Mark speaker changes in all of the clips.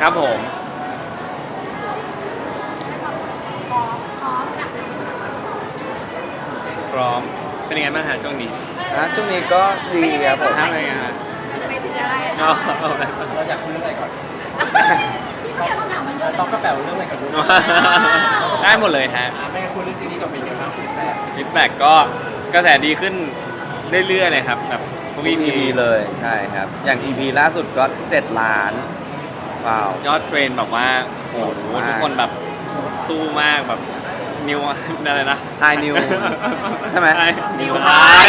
Speaker 1: ครับผมพร้อมเป็นยังไงบ้างฮะช่วงนี้
Speaker 2: ช่วงนี้ก็ดีครับผม
Speaker 1: ทำอะไรกันฮะ
Speaker 3: ไปถึงอะไร
Speaker 1: อ๋อ
Speaker 4: เราอยากคุยเรื่องอะไรก่อน
Speaker 3: พี่เกียรต้องถามมันเยอะ
Speaker 4: ต้องกระแป๋วเรื่องอะไรก่อนดู
Speaker 1: ได้หมดเลยฮะ
Speaker 4: ไม่งั้นคุยเรื่องซีรีส์ก่อนเป็นยังไงบ้างฟีดแบ็ก
Speaker 1: ฟีดแบ็กก็กระแสดีขึ้นเรื่อยๆเลยครับแบบทุก
Speaker 2: ทุก
Speaker 1: EP
Speaker 2: EP เลยใช่ครับ อย่าง EP ล่าสุดก็ 7 ล้านว้าวย
Speaker 1: อดเทรนแบบว่าโอ้โห
Speaker 2: มาก
Speaker 1: ทุกคนแบบสู้มากแบบนิวอะไรนะ
Speaker 2: High New ใช่ไหม
Speaker 1: นิวไฮ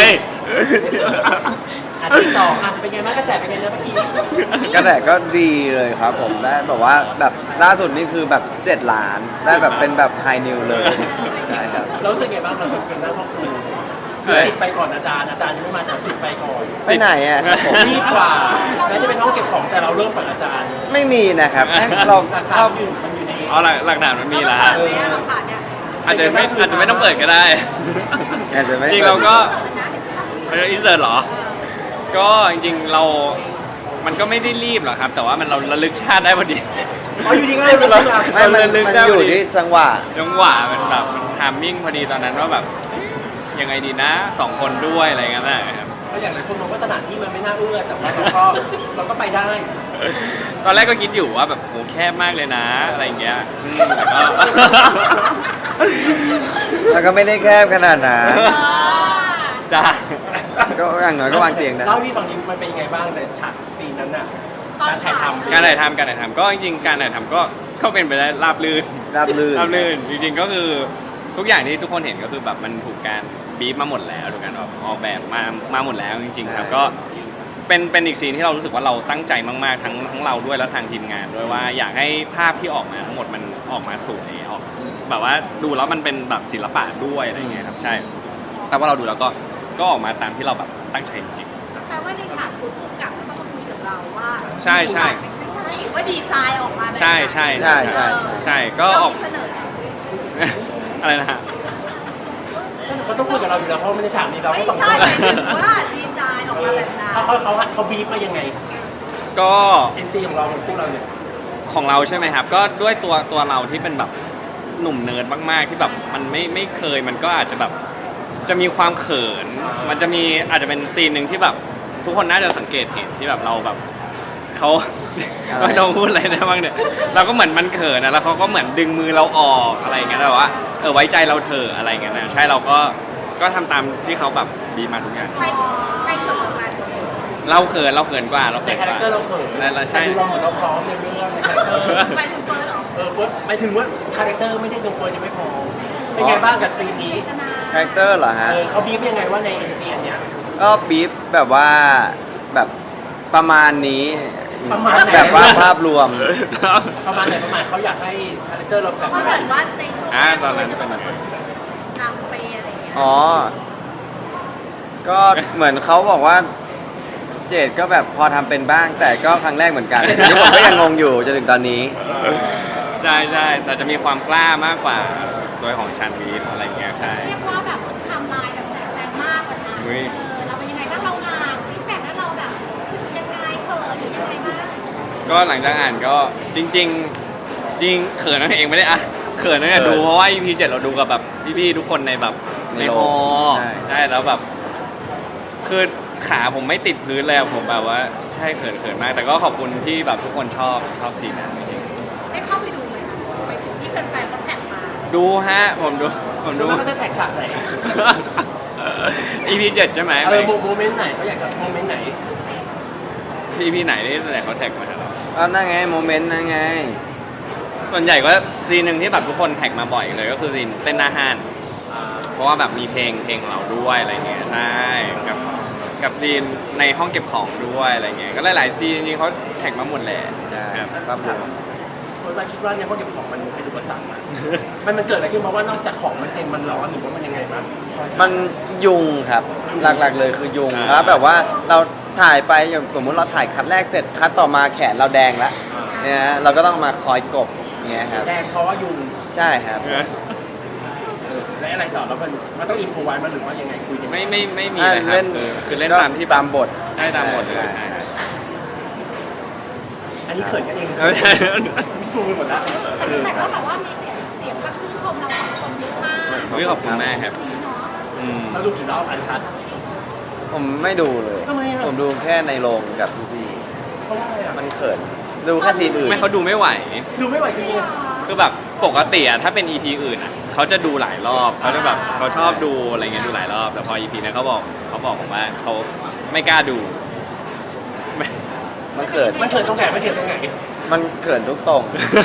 Speaker 4: ที่สองเป็นไงบ้างกระแสเป็นไงเรื่องเมื่อกี้
Speaker 2: กระแสก็ดีเลยครับผมได้แบบว่าแบบล่าสุดนี่คือแบบ 7 ล้าน ได้แบบเป็นแบบ High New เลยใช่ครับ
Speaker 4: เรารู้สึกไงบ้างเราทำกันได้เพราะคือสิทธิ์ไปก่อนอาจารย์ยังไม่มาแต่สิทธิ์ไปก่อน
Speaker 2: ไปไหนอ่ะครับผม
Speaker 4: รีบกว่าแม้จะเป็นห้องเก็บของแต่เราเริ่มก่อนอาจารย์
Speaker 2: ไม่มีนะครับเรา
Speaker 4: หลักฐา
Speaker 2: เข้าน
Speaker 4: มันอยู่ใน
Speaker 1: เอาหลักฐานมันมีแล้วฮะ
Speaker 3: หลักฐานเนี่ย
Speaker 1: อาจจะไม่ต้องเปิดก็ได้
Speaker 2: อาจจะไม่
Speaker 1: จริงเราก็
Speaker 3: เปิดนะเดี๋ยวฉัน
Speaker 1: เป็นอินเสิร์ตเหรอ ก็จริงๆมันก็ไม่ได้รีบหรอกครับ แต่ว่าเราระลึกชาติได้พอดี
Speaker 4: อ๋ออยู่ดีก็เลยรู้ว่า
Speaker 2: ไม่มันอยู่ที่จังหวะ
Speaker 1: จังหวะมันแบบมันทามมิ่งพอดีตอนนั้นว่าแบบยังไงดีนะ2 คนด้วยอะไรเงี้ยนะครับ
Speaker 4: เพราะอย่างหลายคนมองว่าสถานที่มันไม่น่าเอื้อแต่ว่าเราก็ไปได้
Speaker 1: ตอนแรกก็คิดอยู่ว่าแบบโหแคบมากเลยนะอะไรเงี้ยแต่ก็
Speaker 2: แล้วก็ไม่ได้แคบขนาดนั้น
Speaker 1: จ้า
Speaker 2: ก็อย่างน้อยก็วางเตียงได้
Speaker 4: เล่าให้พี่ฟังดิมันเป็นยังไงบ้างในฉากซีนนั้นน่ะการถ่ายทำ
Speaker 1: การถ่ายทำก็จริงๆการถ่ายทำก็เป็นไปได้ราบรื่น
Speaker 2: ราบรื่น
Speaker 1: ราบรื่นจริงๆก็คือทุกอย่างที่ทุกคนเห็นก็คือแบบมันถูกการบีบมาหมดแล้วถูกการออกแบบมาหมดแล้วจริงๆครับก็เป็นอีกซีนที่เรารู้สึกว่าเราตั้งใจมากๆทั้งเราด้วยและทางทีมงานด้วยว่าอยากให้ภาพที่ออกมาทั้งหมดมันออกมาสวยออกแบบว่าดูแล้วมันเป็นแบบศิลปะด้วยอะไรอย่างเงี้ยครับใช่แต่ว่าเราดูแล้วก็ออกมาตามที่เราแบบตั้งใจจริง
Speaker 3: แปลว่าในฉากคุณผู้กำกับก็ต้องมาคุยกับเราว่า
Speaker 1: ใช่ใช่
Speaker 3: ไม่ใช่ว่าดีไซน์ออกมาแบบไหน
Speaker 1: ใช่ใช่
Speaker 2: ใช่ใช่
Speaker 1: ใช่ก็ออก
Speaker 3: เรามีเสนอ
Speaker 1: อะไรนะฮะ
Speaker 4: เขาต้องคุยกับเราอยู่แล้วเพราะไม่ในฉากนี้เรา
Speaker 3: ไม่
Speaker 4: แค่สอง
Speaker 3: ใช่
Speaker 4: คน
Speaker 3: หมายถึงว่าดีไซน์ออกมาแบบนั้น
Speaker 4: เขาบีบมายังไง
Speaker 1: ก็
Speaker 4: NC ของเราของพวกเราเนี่ย
Speaker 1: ของเราใช่ไหมครับ ก็ด้วยตัวเราที่เป็นแบบหนุ่มเนิร์ดมากๆที่แบบมันไม่เคยมันก็อาจจะแบบจะมีความเขิน มันจะมีอาจจะเป็นซีนหนึ่งที่แบบทุกคนน่าจะสังเกตเห็นที่แบบเราแบบเขา
Speaker 2: อะไร
Speaker 1: ไม่ต้องพูดอะไรได้บ้างเนี่ยเราก็เหมือนมันเขินนะแล้วเขาก็เหมือนดึงมือเราออกอะไรอย่างเงี้ยแต่ว่าไว้ใจเราเถอะอะไรอย่างเงี้ยนะใช่เราก็ทำตามที่เขาแบบดีมาทุกอย่าง
Speaker 3: ใครเขินกัน
Speaker 1: เราเขินกว่าเรา
Speaker 4: ใน
Speaker 1: เขิน
Speaker 4: คาก แรคเตอร์
Speaker 1: ว่า
Speaker 4: เราเขิน
Speaker 1: นั่นแหละใช่
Speaker 4: เราเหมือนเราพร้อมในเรื่องในคาแรคเตอร์
Speaker 3: หมายถึงเฟิร์สเหรอ
Speaker 4: เฟิร์สหมายถึงว่าคาแรคเตอร์ไม่ได้ตรงเฟิร์สยังไม่พอเป็นไงบ้างกับซีนนี้
Speaker 2: คาแรคเตอร์เหรอฮะ
Speaker 4: เขาบีบยังไงว่าใน NC อันเนี้ย
Speaker 2: ก็บีฟแบบว่าแบบประมาณนี้
Speaker 4: ประมาณไหน
Speaker 2: แบบว่าภาพรวม
Speaker 4: ประมาณไหนประมาณเขาอยากให้คาแรคเตอร์เราแบบ
Speaker 3: เพราะเหมือนว่าในช่วงแรก
Speaker 1: ตอนนั้น
Speaker 3: จะเป็นคนนำเปย์อะไรอย่างเงี้ย
Speaker 2: อ๋อ ก็เหมือนเขาบอกว่าเจดก็แบบพอทำเป็นบ้าง แต่ก็ครั้งแรกเหมือนกันนี่ผมก็ยังงงอยู่จนถึงตอนนี้
Speaker 1: ใช่ใช่แต่จะมีความกล้ามากกว่าโดยของชันวีทอะไรเงี้ยใช่
Speaker 5: เรียกว่าแบบทำลายแบบแรงมากกว่านั้น
Speaker 1: อุ๊ย
Speaker 5: เราเป็นยังไงบ้างเราอ่านฟีดแบ็กแล้วเราแบบยังไงเขินหรือยังไงบ้าง
Speaker 1: ก็หลังจากอ่านก็จริงเขินนั่นเองไม่ได้อ่ะเขินนั่นแหละดูเพราะว่า EP 7เราดูกับแบบพี่ๆทุกคนในแบบ
Speaker 2: ใน
Speaker 1: ใน
Speaker 2: โร
Speaker 1: ฮ
Speaker 2: ง
Speaker 1: อ
Speaker 2: ใช่
Speaker 1: ใช่แล้วแบบคือขาผมไม่ติดพื้นเลยอะผมแบบว่าใช่เขินมาก แต่ก็ขอบคุณที่แบบทุกคนชอบซีนนั้นจริง
Speaker 3: ได้เข้าไปดูไหมคะไปถึงที่แฟนๆเขาแท็กมา
Speaker 1: ๆดูฮะผมดู
Speaker 4: ส่วนมากเขาจะแท็กฉากไหน
Speaker 1: EP 7ใช่ไหม
Speaker 4: โมเมนต์ไหนเขาอยากจะโมเมนต์ไหน
Speaker 1: EP ไหนที่ไหนเขาแท็กมาหาเรา
Speaker 2: ก็นั่นไงโมเมนต์นั่นไง
Speaker 1: ส่วนใหญ่ก็ซีนหนึ่งที่แบบทุกคนแท็กมาบ่อยเลยก็คือซีนเต้นหน้าห้าน เพราะว่าแบบมีเพลงของเราด้วยอะไรเงี้ยใช่กับซีนในห้องเก็บของด้วยอะไรเงี้ยก็หลายๆซีนจริงๆเขาแท็กมาหมดแหละ
Speaker 2: ใช่
Speaker 1: ครับ
Speaker 2: ครับผม
Speaker 4: คนมาคิดว่าเนี่ยเขาเก็บของมันเป็นอุปสรรคมันเกิดอะไรขึ้นเพราะว่านอกจากของมันเต็มมันร้อนหรือว่ามันยังไงบ้าง
Speaker 2: มันยุงครับ หลักๆเลยคือยุงแล้วแบบว่าเราถ่ายไปอย่างสมมุติเราถ่ายคัดแรกเสร็จคัดต่อมาแขนเราแดงแล้วเนี่ยฮะเราก็ต้องมาคอยกบเงี้ยครับ
Speaker 4: แดงเพราะว่ายุง
Speaker 2: ใช่ครับ
Speaker 4: และอะไรต่อแล้วมันต้องอินโฟไว้มันหรือว่ายังไงคุยกัน
Speaker 1: ไม่มีเลยครับคือเล่นตามที่
Speaker 2: ตามบท
Speaker 1: ได้ตามบทเลย
Speaker 2: ใช่
Speaker 4: อันนี้เขินกันเอง
Speaker 1: เออ
Speaker 4: งงไปหมดแล้ว
Speaker 5: แต่ก็แบบว่ามีเสียงแบบชื่นชมเราสองคนเยอะมาก
Speaker 1: เฮ้ยขอบคุณมากครับ
Speaker 5: นี้เนาะ
Speaker 1: อืม
Speaker 4: เราดูกี่รอบอันคัด
Speaker 2: ผมไม่ดูเลย
Speaker 4: ทำไมอะ
Speaker 2: ผมดูแค่ในโรงกับพี่
Speaker 4: เพราะว่าอะไรอ่ะ
Speaker 2: ๆมันเขินดูแค่ซีนอื่น
Speaker 1: ไม่เขาดูไม่ไหว
Speaker 4: ดูไม่ไหวจริง
Speaker 1: คือแบบปกติอะถ้าเป็น EP อื่นอะเขาจะดูหลายรอบเขาจะแบบเขาชอบดูอะไรเงี้ยดูหลายรอบ แต่พอ EP นี้เขาบอกผมว่าเขาไม่กล้าดูไม่
Speaker 2: มันเขิน
Speaker 4: มันเขินตรงไหนมันเขินตรงไหน
Speaker 2: มันเขินทุกตรง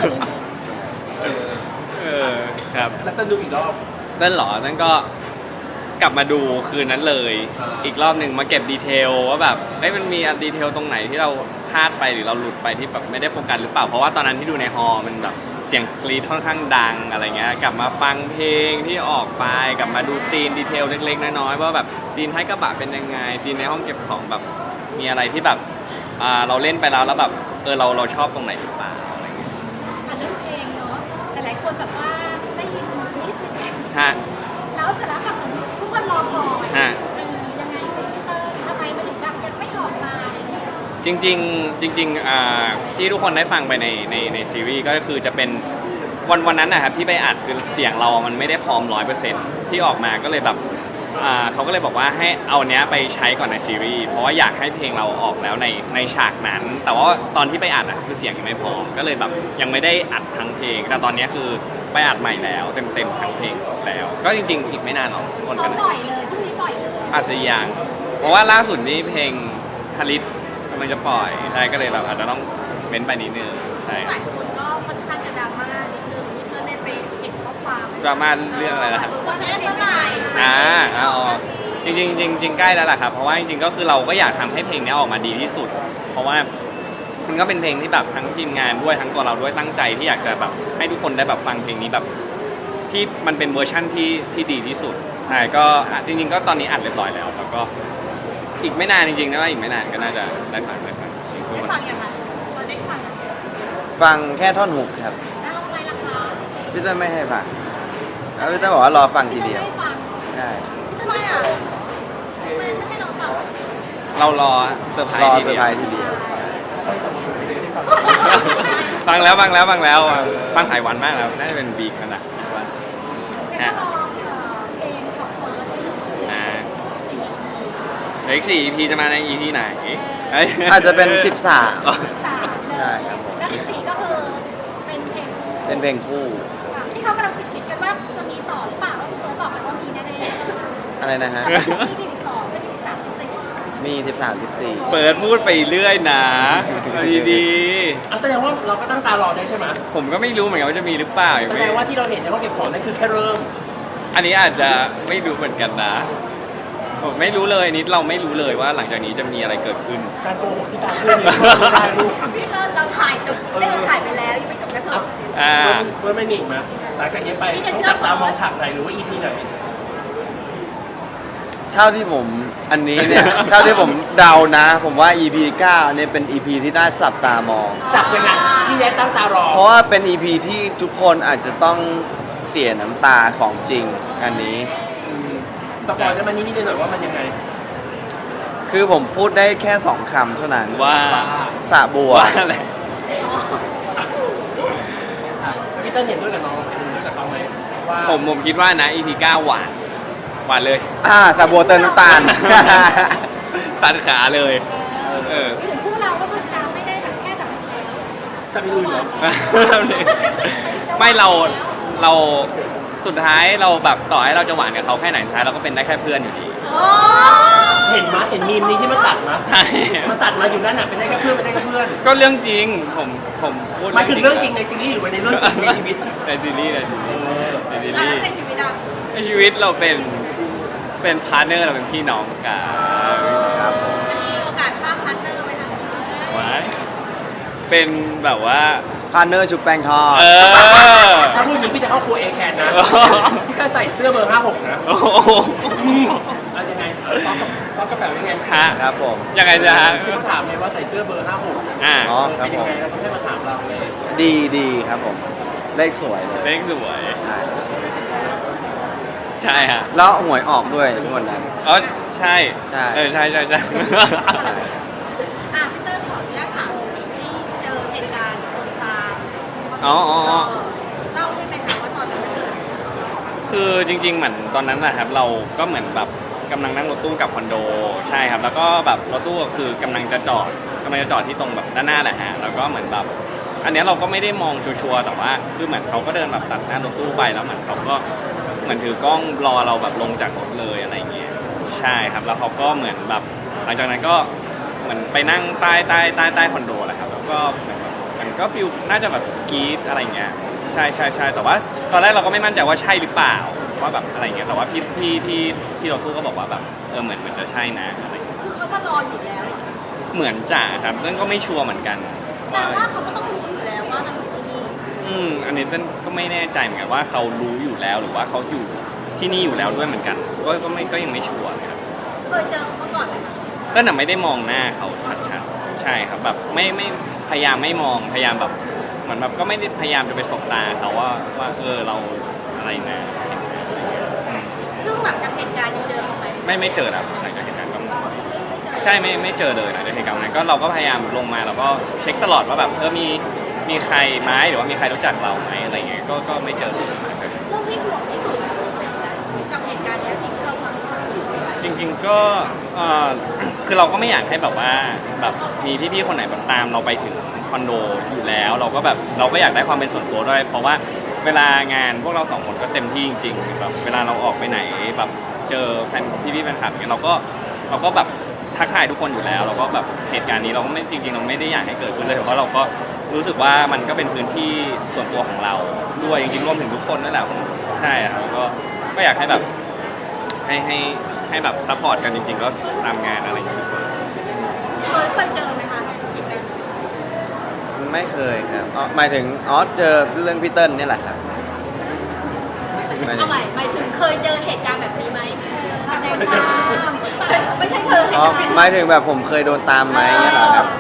Speaker 1: เออครับ
Speaker 4: แล้วต้องดูอีกรอบ
Speaker 1: นั่นเหรอนั่นก็กลับมาดูคืนนั้นเลย
Speaker 4: อ่า
Speaker 1: อีกรอบหนึ่งมาเก็บดีเทลว่าแบบเอ้ยมันมีดีเทลตรงไหนที่เราพลาดไปหรือเราหลุดไปที่แบบไม่ได้โฟกัสหรือเปล่าเพราะว่าตอนนั้นที่ดูในฮอลล์มันแบบเสียงกรีดค่อนข้างดังอะไรเงี้ยกลับมาฟังเพลงที่ออกไปกลับมาดูซีนดีเทลเล็กๆน้อยๆว่าแบบซีนท้ายกระบะเป็นยังไงซีนในห้องเก็บของแบบมีอะไรที่แบบเราเล่นไปแล้วแบบเราชอบตรงไหนหรือเปล่าอะไรเงี้ย
Speaker 5: อ่ะเรื่องเพลงเนาะแต่หลายคนแบบว่าได้ยินนิดนึง
Speaker 1: ฮะ
Speaker 5: แล้วเสร็จแล้วแบบเหมือนทุกคนรอคอย
Speaker 1: ฮะ
Speaker 5: ยังไงซิเตอร์ทำไมมันถึงแบบยังไม่ออกมาอะไรเงี้ย
Speaker 1: จริงที่ทุกคนได้ฟังไปในซีรีส์ก็คือจะเป็นวันนั้นนะครับที่ไปอัดคือเสียงเรามันไม่ได้พร้อม 100%ที่ออกมาก็เลยแบบเขาก็เลยบอกว่าให้เอาเนี้ยไปใช้ก่อนในซีรีส์เพราะว่าอยากให้เพลงเราออกแล้วในฉากนั้น แต่ว่าตอนที่ไปอัดคือเสียงยังไม่พร้อมก็เลยแบบยังไม่ได้อัดทั้งเพลง แต่ตอนเนี้ยคือไปอัดใหม่แล้วเต็มทั้งเพลงแล้ว ก็จริงๆอีกไม่นานหรอกทุกคน
Speaker 5: เรา
Speaker 1: กัน
Speaker 5: ปล่อยเลยพรุ่งนี้ปล่อยเลย
Speaker 1: อาจจะยังเพราะว่าล่าสุดนี้เพลงฮาริสกำลังจะปล่อยใช่ก็เลยแบบอาจจะต้องเม้นไปนิดนึงใช่
Speaker 3: หลายคนก็ค่อนข้างจะดราม่านิดนึงเพื่อนได้ไปเห็นข้อความ
Speaker 1: ดราม่าเรื่องอะไรนะครับ
Speaker 3: ว่าจะเมื่อไหร่
Speaker 1: จริงใกล้แล้วล่ะครับเพราะว่าจริงๆก็คือเราก็อยากทำให้เพลงนี้ออกมาดีที่สุด เพราะว่ามันก็เป็นเพลงที่แบบทั้งทีมงานด้วยทั้งตัวเราด้วยตั้งใจที่อยากจะแบบให้ทุกคนได้แบบฟังเพลงนี้แบบที่มันเป็นเวอร์ชั่นที่ดีที่สุดใช่ก็จริงๆก็ตอนนี้อัดเรียบร้อยแล้วแล้วก็อีกไม่นานจริงๆนะว่าอีกไม่นานก็น่าจะได้ฟังจริง
Speaker 3: ได้ฟังยังไงตอนได้ฟังยัง
Speaker 2: ฟังแค่ท่อนฮุกครับ
Speaker 5: แล้วทำไมล่ะคะ
Speaker 2: พี่เต้ยไม่ให้ฟังแล้วพี่เต้ยบอกว่ารอฟังทีเดียว
Speaker 5: ไม่ฟัง
Speaker 2: ใช่
Speaker 3: ทำไมอ่ะทำไมฉันให้น้องฟัง
Speaker 1: เรารอเซอร์ไพร
Speaker 2: รอ
Speaker 1: ส์ที
Speaker 2: เซอ
Speaker 1: เดี
Speaker 2: ร์
Speaker 1: ย
Speaker 2: ไพร
Speaker 1: ว
Speaker 2: ส์ทีเดียวใช่
Speaker 1: ฟังแล้วฟังหลายวันมากแล้วน่าจะเป็นบีกันนะใช่ป่ะ
Speaker 5: เดี๋ยวก็รอเพลงของเฟิร์สได้เลย
Speaker 1: อ่า
Speaker 5: สี่
Speaker 1: เล็ก4 EP จะมาใน EP ไหนเอ้ย
Speaker 2: อาจจะเป็น 13
Speaker 5: สาม
Speaker 2: ใช่ครับผม
Speaker 5: แล้ว14ก็คือเป็นเพลง
Speaker 2: เป็นเพลงคู่
Speaker 5: ที่เขากำลังคิดกันว่าจะมีต่อหรือเปล่าว่าพี่เฟิร์สบอกไปว่ามีแน่ๆ
Speaker 2: อะไรนะฮะ
Speaker 5: จะมีที่12จะมี13 14
Speaker 2: มี 13
Speaker 1: เปิดพูดไปเรื่อยนะดี
Speaker 4: อ่ะแสดงว่าเราก็ตั้งตารอได้ใช่ไหม
Speaker 1: ๆผมก็ไม่รู้เหมือนกันว่าจะมีหรือเปล่า
Speaker 4: แสดงว่าที่เราเห็นในห้องเก็บของนั่นคือแค่เริ่ม
Speaker 1: อันนี้อาจจะไม่รู้เหมือนกันนะผมไม่รู้เลยนิดเราไม่รู้เลยว่าหลังจากนี้จะมีอะไรเกิดขึ้น
Speaker 4: การโกหกที่ตาเสื้อนี่ไม่ได้ลูก
Speaker 3: พี่เลิศเราถ่ายจบเราถ่ายไปแล้วยังไม่จบนะเธอ
Speaker 1: อ่า
Speaker 4: เพื่อนไม่มีอีกไหมหลังจากนี้ไปต้องจับตามองฉากไหนหรือว่า EP ไหน
Speaker 2: เท่าที่ผมอันนี้เนี่ย เท่าที่ผมเดานะ ผมว่า EP 9เนี่ยเป็น EP ที่น่าจับตามอง
Speaker 4: จับยังไงพี่แย้ตั้งตารอ
Speaker 2: เพราะว่าเป็น EP ที่ทุกคนอาจจะต้องเสียน้ำตาของจริงอันนี้
Speaker 4: สปอยล์ได้มานิดๆหน่อยๆว่ามันยังไง
Speaker 2: คือผมพูดได้แค่ 2 คำเท่านั้น
Speaker 1: ว่า
Speaker 2: สระบัว
Speaker 1: ว่าอะไร
Speaker 4: พี่เต้นเห็นด้วยกับน้องเห็นด้วยกับเขาไหมว่า
Speaker 1: ผมคิดว่านะ EP 9หวานเลย
Speaker 2: สระบัวเติมน้ำตาล
Speaker 1: ตัดขาเลยเออ
Speaker 5: ถึงคู่เราก็คือจะไม่ได้แบบแค่จับมือแล้ว
Speaker 4: จะไปลุยเหรอ
Speaker 1: ไม่เราสุดท้ายเราแบบต่อให้เราจะหวานกับเขาแค่ไหนสุดท้ายเราก็เป็นได้แค่เพื่อนอยู่ดี
Speaker 3: โอ้
Speaker 4: เห็นมาเห็นมีมนี้ที่มันตัดมา
Speaker 1: ใช่
Speaker 4: มันตัดมาอยู่นั่นน่ะเป็นได้แค่เพื่อนเป็นได้แค่เพื่อน
Speaker 1: ก็เรื่องจริงผมพูด
Speaker 4: หมายถึงเรื่องจริงในซีรีส์หรือว่าในเรื่องจริงในชีวิต
Speaker 1: ในซีรีส์ในซีรีส์ในซี
Speaker 3: แล้ว
Speaker 1: รีส์
Speaker 3: ในชีวิตอ่ะ
Speaker 1: ในชีวิตเราเป็นพาร์ทเนอร์เราเป็นพี่น้องกัน
Speaker 2: ครับผม
Speaker 3: จะมีโอกาสข้ามพาร์ทเนอร์ไปทางนี้
Speaker 1: ว้ายเป็นแบบว่า
Speaker 2: พาร์เนอร์ชุบแป้งทอด
Speaker 1: เออ
Speaker 4: ถ้าพูดอย่างนี้พี่จะเข้าครัวเอแคนนะ
Speaker 1: โอ้โห
Speaker 4: พี่ก็ใส่เสื้อเบอร์ 56 นะ
Speaker 1: โอ้โห
Speaker 4: เอายังไงป๊อกกระเป๋ายังไง
Speaker 1: ฮะ
Speaker 2: ครับผม
Speaker 1: ยังไงจะฮะ
Speaker 4: ที่เขาถามเลยว่าใส่เสื้อเบอร์ 56
Speaker 1: อ่า
Speaker 2: อ๋อครั
Speaker 4: เป็
Speaker 2: บ
Speaker 4: น
Speaker 2: ผ
Speaker 4: ยัง
Speaker 2: ม
Speaker 4: ไงแล้วก็ให้มาถามเราเลย
Speaker 2: ดีครับผม เลขสวยเลย
Speaker 1: เลขสวย
Speaker 2: ใช่
Speaker 1: ใช่ฮะ
Speaker 2: แล้วหวยออกด้วยทุกคนนั้น
Speaker 1: อ๋อใช่
Speaker 2: ใช่
Speaker 1: เออใช่
Speaker 3: อ่ะพี่เติ้ลขออนุญาตถามที่เจอเหตุการณ์
Speaker 1: อ๋ออ๋ออ๋อ
Speaker 3: เล่าได้ไหมคะว่าตอนนั้นมันเกิดอะไรขึ้น
Speaker 1: คือจริงๆเหมือนตอนนั้นนะครับเราก็เหมือนแบบกำลังนั่งรถตู้กลับคอนโดใช่ครับ แล้วก็แบบรถตู้ก็คือกำลังจะจอดที่ตรงแบบด้านหน้าแหละฮะแล้วก็เหมือนแบบอันเนี้ยเราก็ไม่ได้มองชัวร์ๆแต่ว่าคือเหมือนเขาก็เดินแบบตัดหน้ารถตู้ไปแล้วเหมือนเขาก็เหมือนถือกล้องรอเราแบบลงจากรถเลยอะไรเงี้ยใช่ครับแล้วเขาก็เหมือนแบบหลังจากนั้นก็เหมือนไปนั่งใต้คอนโดแหละครับแล้วก็เหมือนแบบมันก็ฟิลน่าจะแบบกรี๊ดอะไรเงี้ยใช่แต่ว่าตอนแรกเราก็ไม่มั่นใจว่าใช่หรือเปล่าว่าแบบอะไรเงี้ยแต่ว่าพี่รถตู้ก็บอกว่าแบบเหมือนมันจะใช่นะอะไรเงี้ย
Speaker 3: คือเขามารออยู่แล้ว
Speaker 1: เหมือนจ่าครับเรื่องก็ไม่ชัวร์เหมือนกัน
Speaker 3: แต่ว่าเขาก็ต้องรู้อยู่แล้วว่าเราอยู่ที่นี่
Speaker 1: อันนี้เต้นก็ไม่แน่ใจเหมือนกันว่าเขารู้อยู่แล้วหรือว่าเขาอยู่ที่นี่อยู่แล้วด้วยเหมือนกัน ก็ยังไม่ชัวร์เลยครับ
Speaker 3: เคยเจอเขามาก่อนไหมคะ
Speaker 1: เต้นน่ะไม่ได้มองหน้าเขาชัดๆใช่ครับแบบไม่พยายามไม่มองพยายามแบบเหมือนแบบก็ไม่ได้พยายามจะไปสบตาเขาว่าเราอะไรนะอืม
Speaker 3: ซึ่งหลังจากเหตุการณ์นี้เดินออกไป
Speaker 1: ไม่เจอครับหลังจากเหตุการณ์ก็
Speaker 3: ไม่เจอ
Speaker 1: ใช่ไม่เจอเลยหลังจากเหตุการณ์วันนั้นก็เราก็พยายามลงมาแล้วก็เช็คตลอดว่าแบบมีใครไหมหรือว่ามีใครรู้จักเราไหมอะไรเงี้ยก็ไม่เจอ
Speaker 3: เรื่องที่ห่วงที่สุดกับเหตุการณ์นี้สิ่งที่เราทำ
Speaker 1: จริงๆก็คือเราก็ไม่อยากให้แบบว่าแบบมีพี่ๆคนไหนแบบตามเราไปถึงคอนโดอยู่แล้ว เราก็อยากได้ความเป็นส่วนตัวด้วย เพราะว่าเวลางานพวกเราสองคนก็เต็มที่จริงๆแบบเวลาเราออกไปไหนแบบเจอแฟนพี่ๆแฟนคลับเนี่ยเราก็แบบทักทายทุกคนอยู่แล้วเราก็แบบเหตุการณ์นี้เราก็ไม่จริงๆเราไม่ได้อยากให้เกิดขึ้นเลยเพราะเราก็รู้สึกว่ามันก็เป็นพื้นที่ส่วนตัวของเราด้วยจริงๆรวมถึงทุกคนนั่นแหละใช่ครับก็อยากให้แบบให้แบบซัพพอร์ตกันจริงๆก็ตามงานอะไรอย่างเงี้ย
Speaker 3: เคยเจอไหมคะเหตุการณ์นี้
Speaker 2: ไม่เคยครับหมายถึงเจอเรื่องพี่เติ้ลนี่แหละครับหมายถึ
Speaker 3: เอา
Speaker 2: ง
Speaker 3: ใหม่หมายถึงเคยเจอเหตุการณ์แบบนี้ไหมไม่ใช่ไม่ใช่เคย
Speaker 2: หมายถึงแบบผมเคยโดนตามไหมเนี่ยเหรอครับ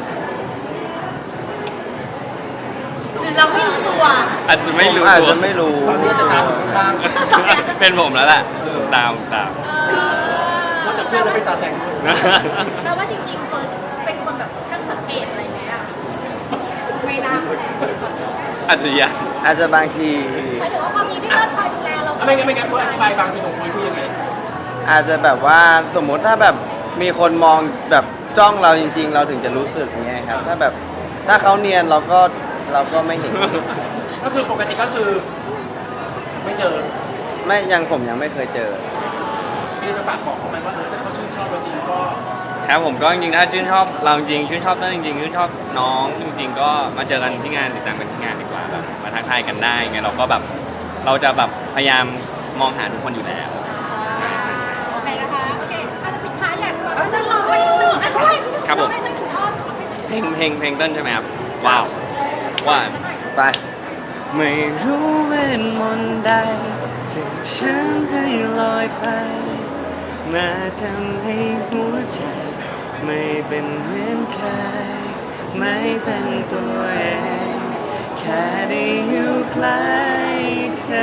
Speaker 3: หรือเราไม่รู้ตัว
Speaker 1: อาจจะไม่รู้
Speaker 2: อาจ
Speaker 1: ตัว
Speaker 2: จะไม่รู้
Speaker 4: ตอนนี้จะตามคนข้าง
Speaker 1: เป็นผมแล้วแหละตาม
Speaker 4: ๆว่าแต่เพื่อนจะเป็นสาวแสง
Speaker 3: เราว่าจริงๆเฟิร์นเป็นคนแบบช่างสังเกตอะไรไหมอะไม่น่า
Speaker 1: อาจจะยัง
Speaker 2: อาจจะบางที
Speaker 5: หมายถึงว่าพอมีพี่เลิศคอยดูแลเรา
Speaker 4: ไม่งั้นเฟิร์นอธิบายบางทีของเฟิร์นคือยังไง
Speaker 2: อาจจะแบบว่าสมมุติถ้าแบบมีคนมองแบบจ้องเราจริง ๆ เราถึงจะรู้สึกเงี้ยครับถ้าแบบถ้าเขาเนียนเราก็ไม่เห็น
Speaker 4: ก็คือปกติก็คือ ไม่เจอ
Speaker 2: ผมยังไม่เคยเจอ
Speaker 4: พี่จะฝากบอกเขาไหมว่าถ้าเขาชื่นชอบเราจริงก็
Speaker 1: ครับผมก็จริงๆถ้าชื่นชอบเราจริงชื่นชอบเต้นจริงๆชื่นชอบน้องจริงๆก็มาเจอกันที่งานติดตามกันที่งานดีกว่าแบบมาทักทายกันได้ไงเราก็แบบเราจะแบบพยายามมองหาทุกคนอยู่แล้ว
Speaker 3: โอเคนะคะ
Speaker 5: โอเคอาจจะปิดท้ายอยากเต้นรอไปนิดนึงอ่ะด้วย
Speaker 1: ครับผม
Speaker 5: ให้เต้นถึงท่อน
Speaker 1: เพลงเต้นใช่ไหมครับว้าวว่า
Speaker 2: ไป
Speaker 1: ไม่รู้เวทมนต์ใดเสกฉันให้ลอยไป มาทำให้หัวใจ ไม่เป็นเหมือนใครไม่เป็นตัวเองแค่ได้อยู่ใกล้เธอ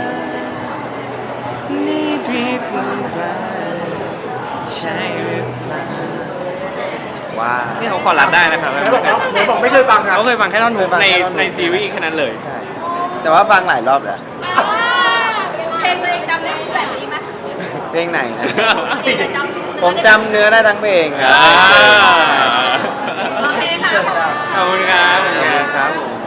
Speaker 1: นี่ดีกว่าไปใช่หรือเปล่า
Speaker 2: ว้า
Speaker 1: นี่เขาขอรับได้นะครับ
Speaker 4: ไหนบอกไม่เคยฟังครับ
Speaker 1: เขาเคยฟังแค่ท่อนฮุก
Speaker 2: เคยฟัง
Speaker 1: ใน
Speaker 2: แค่ท่อนฮุก
Speaker 1: ในซีรีส์แค่นั้นเลย
Speaker 2: ใช่แต่ว่าฟังหลายรอบแล้ว
Speaker 3: เพลงตัวเองจำได้แบบนี้ไหม
Speaker 2: เพลงไหนนะ
Speaker 3: เพลงจำ
Speaker 2: ผมจำเนื้อได้ทั้งเพลงครับ
Speaker 1: อ่า
Speaker 3: โอเคค่ะ
Speaker 1: ขอบคุณครับ
Speaker 2: ขอบคุณครับผม